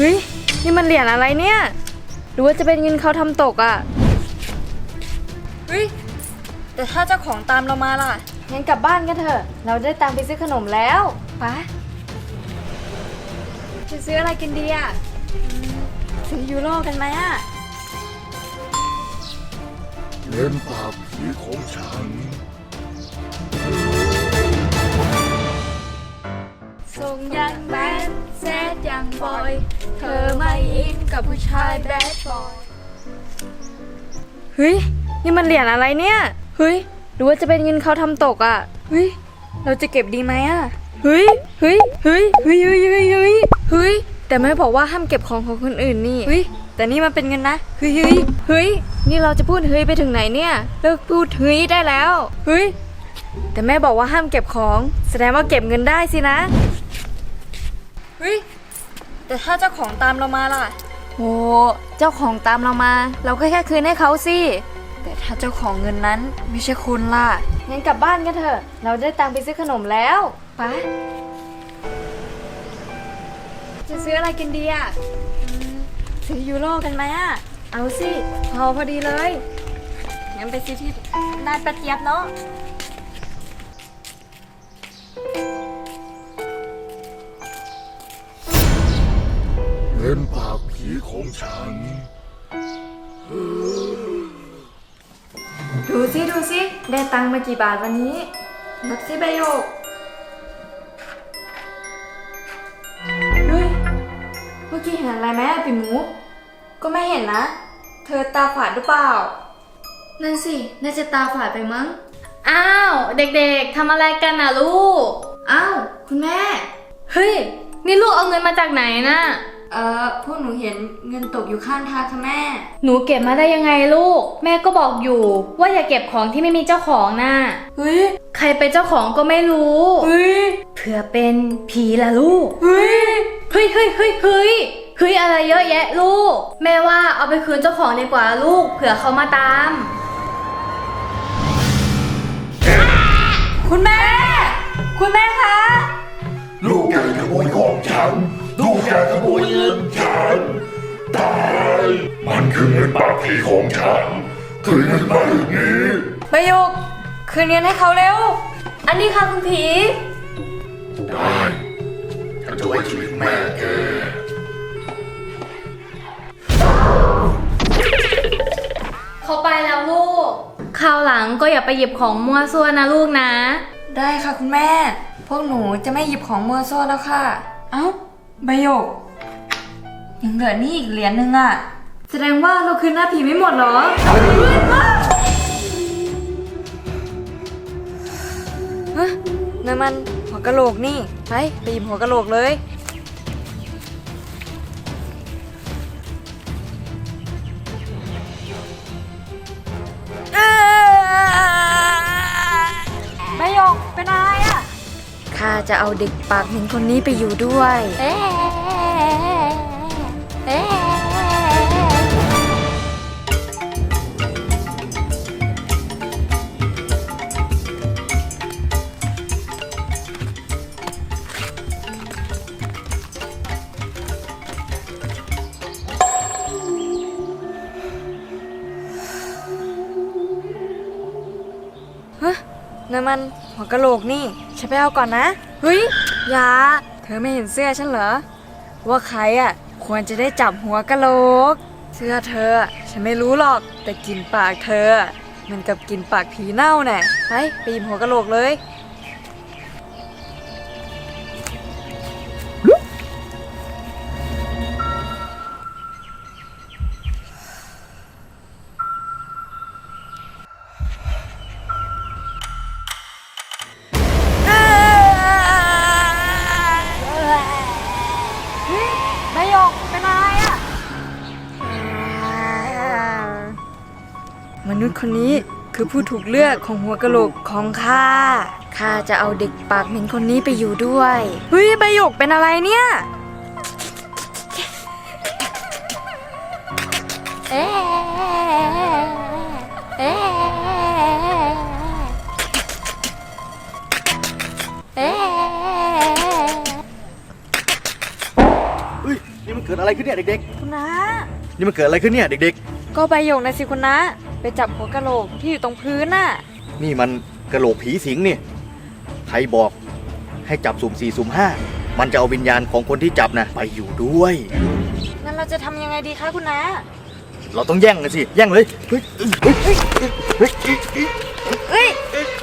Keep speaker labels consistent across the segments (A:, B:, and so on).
A: ฮ้ยนี่มันเหรียญอะไรเนี่ยหรือว่าจะเป็นเงินเขาทำตกอ่ะเฮ้ยแต่ถ้าเจ้าของตามเรามาล่ะงั้นกลับบ้านกันเถอะเราได้ตังค์ไปซื้อขนมแล้วไปจะซื้ออะไรกินดีอ่ะซื้อยูโรกันไหมอ่ะ
B: เล่นปากผีของฉัน
A: ส่งยังแบดแซดยังบอยเธอไม่อินกับผู้ชายแบดบอยเฮ้ยนี่มันเหรียญอะไรเนี่ยเฮ้ยหรือว่าจะเป็นเงินเขาทำตกอ่ะเฮ้ยเราจะเก็บดีไหมอ่ะเฮ้ยเฮ้ยเฮ้ยเฮ้ยเฮ้ยเฮ้ยเฮ้ยเฮ้ยแต่แม่บอกว่าห้ามเก็บของของคนอื่นนี่เฮ้ยแต่นี่มันเป็นเงินนะเฮ้ยเฮ้ยเฮ้ยนี่เราจะพูดเฮ้ยไปถึงไหนเนี่ยเลิกพูดเฮ้ยได้แล้วเฮ้ยแต่แม่บอกว่าห้ามเก็บของแสดงว่าเก็บเงินได้สินะเฮ้ยแต่ถ้าเจ้าของตามเรามาล่ะโอ้เจ้าของตามเรามาเราก็แค่คืนให้เขาสิแต่ถ้าเจ้าของเงินนั้นไม่ใช่คุณล่ะงั้นกลับบ้านกันเถอะเราได้ตังค์ไปซื้อขนมแล้วไปจะซื้ออะไรกินดีอ่ะซื้อยูโรกันไหมอ่ะเอาสิพอดีเลยงั้นไปซื้อที่ร้านป้าเจี๊ยบเนาะ
B: เล่นปากผีของฉัน
A: ดูสิได้ตังค์มากี่บาทวันนี้นับสิใบโยกเฮ้ยเมื่อกี้เห็นอะไรไหมอะปิ่มหมูก็ไม่เห็นนะเธอตาฝาดหรือเปล่านั่นสิน่าจะตาฝาดไปมั้ง
C: อ้าวเด็กๆทำอะไรกันน่ะลูก
A: อ้าวคุณแม่
C: เฮ้ยนี่ลูกเอาเงินมาจากไหนน่ะ
A: พวกหนูเห็นเงินตกอยู่ข้างทางค่ะแม่
C: หนูเก็บมาได้ยังไงลูกแม่ก็บอกอยู่ว่าอย่าเก็บของที่ไม่มีเจ้าของน่ะ
A: เฮ้ย
C: ใครเป็นเจ้าของก็ไม่รู้
A: เฮ้ย
C: เผื่อเป็นผีล่ะลูก
A: เฮ้ย
C: เฮ้ยอะไรเยอะแยะลูกแม่ว่าเอาไปคืนเจ้าของดีกว่าลูกเผื่อเขามาตาม
A: คุณแม่คะ
B: ลูกแกขโมยของฉันลูกแกขโมยเงินฉันตายมันคือเงินปากผีของฉันคืนเงินมาเดี๋ยวนี้
A: ใบโยกคืนเงินให้เขาเร็ว
C: อันนี้ค่ะคุณผี
B: ได้ฉันจะไว้ชีวิตแม่แก
C: เขาไปแล้วลูกคราวหลังก็อย่าไปหยิบของมั่วซั่วนะลูกนะ
A: ได้ค่ะคุณแม่พวกหนูจะไม่หยิบของมั่วซั่วแล้วค่ะเอ้าใบโยกยังเหลือนี่อีกเหรียญนึงอ่ะแสดงว่าเราคืนหน้าผีไม่หมดเหรอฮะนั่นมันหัวกะโหลกนี่ไปหยิบหัวกะโหลกเลยใบโยกเป็นอะไรอ่ะข้าจะเอาเด็กปากเหม็นคนนี้ไปอยู่ด้วยนั่นมันหัวกะโหลกนี่ฉันไปเอาก่อนนะเฮ้ยยาเธอไม่เห็นเสื้อฉันเหรอว่าใครอ่ะควรจะได้จับหัวกะโหลกเสื้อเธอฉันไม่รู้หรอกแต่กลิ่นปากเธอมันกับกลิ่นปากผีเน่าแน่ไปหยิบหัวกะโหลกเลยมนุษย์คนนี้คือผู้ถูกเลือกของหัวกะโหลกของข้าจะเอาเด็กปากเหม็นคนนี้ไปอยู่ด้วยเฮ้ยใบหยกเป็นอะไรเนี่ย
D: เฮ้ยนี่มันมันเกิดอะไรขึ้นเนี่ยเด็ก
A: คุณน้า
D: ๆนี่มันเกิดอะไรขึ้นเนี่ยเด็ก
A: ก็ใบหยกนะสิคุณน้าไปจับหัวกะโหลกที่อยู่ตรงพื้นน่ะ
D: ๆนี่มันกระโหลกผีสิงนี่ใครบอกให้จับสุ่ม4สุ่ม5มันจะเอาวิญญาณของคนที่จับนะไปอยู่ด้วย
A: งั้นเราจะทำยังไงดีคะคุณน้า
D: เราต้องแย่งกันสิแย่งเลยเฮ้ยเฮ้ย
A: เอ้ย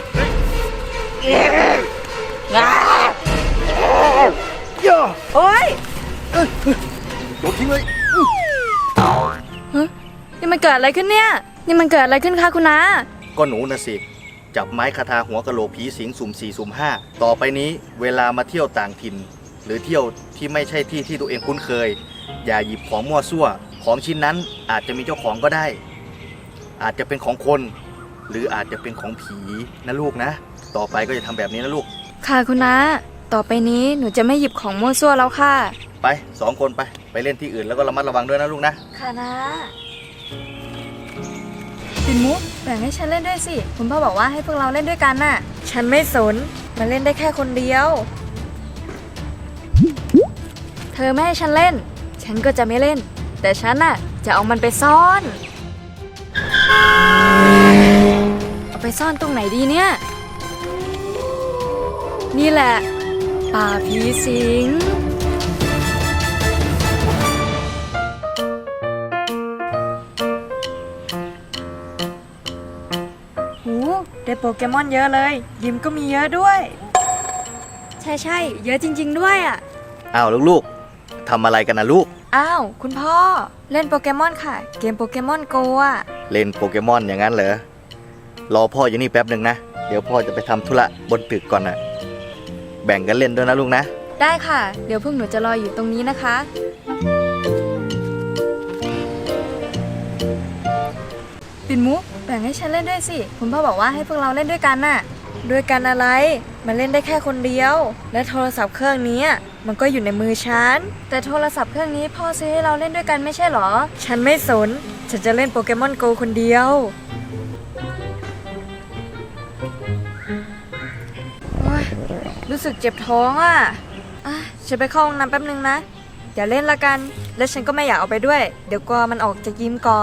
D: ย่า
A: โอ๊ย
D: โดดทิ้งเลย
A: นี่มันเกิดอะไรขึ้นเนี่ย นี่มันเกิดอะไรขึ้นคะคุณน้า
D: ก็หนูนะสิจับไม้คาถาหัวกะโหลกผีสิงสุ่ม4สุ่ม5ต่อไปนี้เวลามาเที่ยวต่างถิ่น หรือเที่ยวที่ไม่ใช่ที่ที่ตัวเองคุ้นเคย อย่าหยิบของมั่วซั่วของชิ้นนั้นอาจจะมีเจ้าของก็ได้ อาจจะเป็นของคน หรืออาจจะเป็นของผีนะลูกนะ ต่อไปก็จะทำแบบนี้นะลูก
A: ค่ะคุณน้า ต่อไปนี้หนูจะไม่หยิบของมั่วซั่วแล้วค่ะ
D: ไป2 คนไปเล่นที่อื่นแล้วก็ระมัดระวังด้วยนะลูกนะ
A: ค่ะนะปิ่นมุกแบ่งให้ฉันเล่นด้วยสิ คุณพ่อบอกว่าให้พวกเราเล่นด้วยกันน่ะ ฉันไม่สน มาเล่นได้แค่คนเดียว เธอไม่ให้ฉันเล่น ฉันก็จะไม่เล่น แต่ฉันน่ะจะเอามันไปซ่อน เอาไปซ่อนตรงไหนดีเนี่ย นี่แหละ ป่าผีสิง หูได้โปเกมอนเยอะเลย ยิมก็มีเยอะด้วย ใช่เยอะจริงๆด้วยอ่ะ
D: อ้าวลูกๆทำอะไรกันนะลูก
A: อ้าว คุณพ่อเล่นโปเกมอนค่ะ เกมโปเกมอนโกอ่ะ
D: เล่นโปเกมอนอย่างนั้นเหรอ รอพ่ออยู่นี่แป๊บหนึ่งนะ เดี๋ยวพ่อจะไปทำธุระบนตึกก่อนนะแบ่งกันเล่นด้วยนะลูกนะ
A: ได้ค่ะ เดี๋ยวพวกหนูจะรออยู่ตรงนี้นะคะ ปิ่นมุกแบ่งให้ฉันเล่นด้วยสิ คุณพ่อบอกว่าให้พวกเราเล่นด้วยกันน่ะ ด้วยกันอะไร มันเล่นได้แค่คนเดียว และโทรศัพท์เครื่องนี้มันก็อยู่ในมือฉัน แต่โทรศัพท์เครื่องนี้พ่อซื้อให้เราเล่นด้วยกันไม่ใช่หรอ ฉันไม่สน ฉันจะเล่นโปเกมอนโกคนเดียวโอ๊ยรู้สึกเจ็บท้องอ่ะฉันไปเข้าห้องน้ำแป๊บนึงนะ อย่าเล่นละกัน และฉันก็ไม่อยากเอาไปด้วย เดี๋ยวกลัวมันออกจากยิมก่อน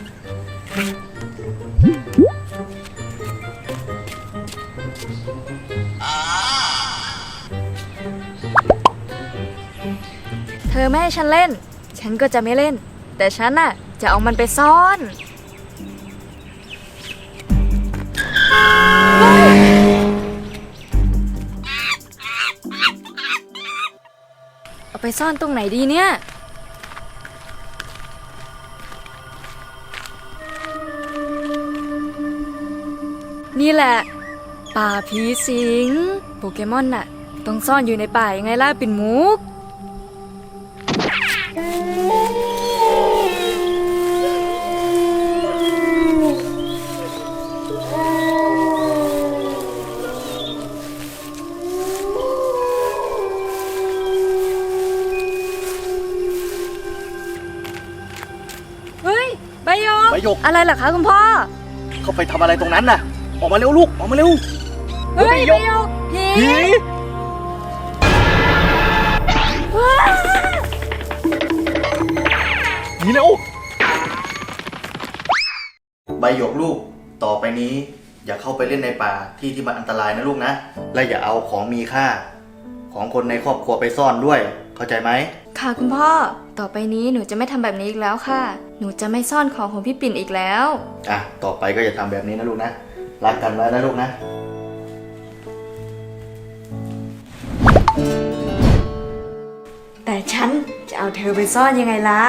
A: เธอไม่ให้ฉันเล่น ฉันก็จะไม่เล่น แต่ฉันน่ะจะเอามันไปซ่อน เอาไปซ่อนตรงไหนดีเนี่ย นี่แหละ ป่าผีสิง โปเกมอนน่ะ ต้องซ่อนอยู่ในป่ายังไงล่ะปิ่นมุก เฮ้ยใบหยก
D: ใบหยก
A: อะไรเหรอคะคุณพ่อ
D: เข้าไปทำอะไรตรงนั้นน่ะ ออกมาเร็วลูก ออกมาเร็ว
A: เฮ้ยใบหยกผี
D: ผี
A: ว้า
D: หนีเร็วใบหยกลูก ต่อไปนี้อย่าเข้าไปเล่นในป่าที่มันอันตรายนะลูกนะ และอย่าเอาของมีค่า ของคนในครอบครัวไปซ่อนด้วย เข้าใจไหม
A: ค่ะคุณพ่อ ต่อไปนี้หนูจะไม่ทำแบบนี้อีกแล้วค่ะ หนูจะไม่ซ่อนของของพี่ปิ่นอีกแล้ว
D: ต่อไปก็อย่าทำแบบนี้นะลูกนะ รักกันไว้นะลูกนะ
A: แต่ฉันจะเอาเธอไปซ่อนยังไงล่ะ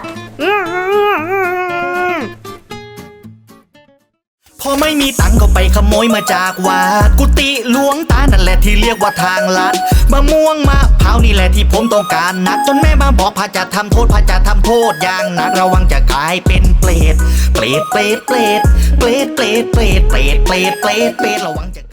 E: พอไม่มีตังค์ก็ไปขโมยมาจากวัดกุฏิหลวงตานั่นแหละที่เรียกว่าทางลัดมะม่วงมะพร้าวนี่แหละที่ผมต้องการนักจนแม่มาบอกพระจะทำโทษพระจะทำโทษอย่างหนักระวังจะกลายเป็นเปรตเปรตเปรตเปรตเปรตเปรตเปรตเปรตเปรตเปรตเปรตเปรตระวังจะ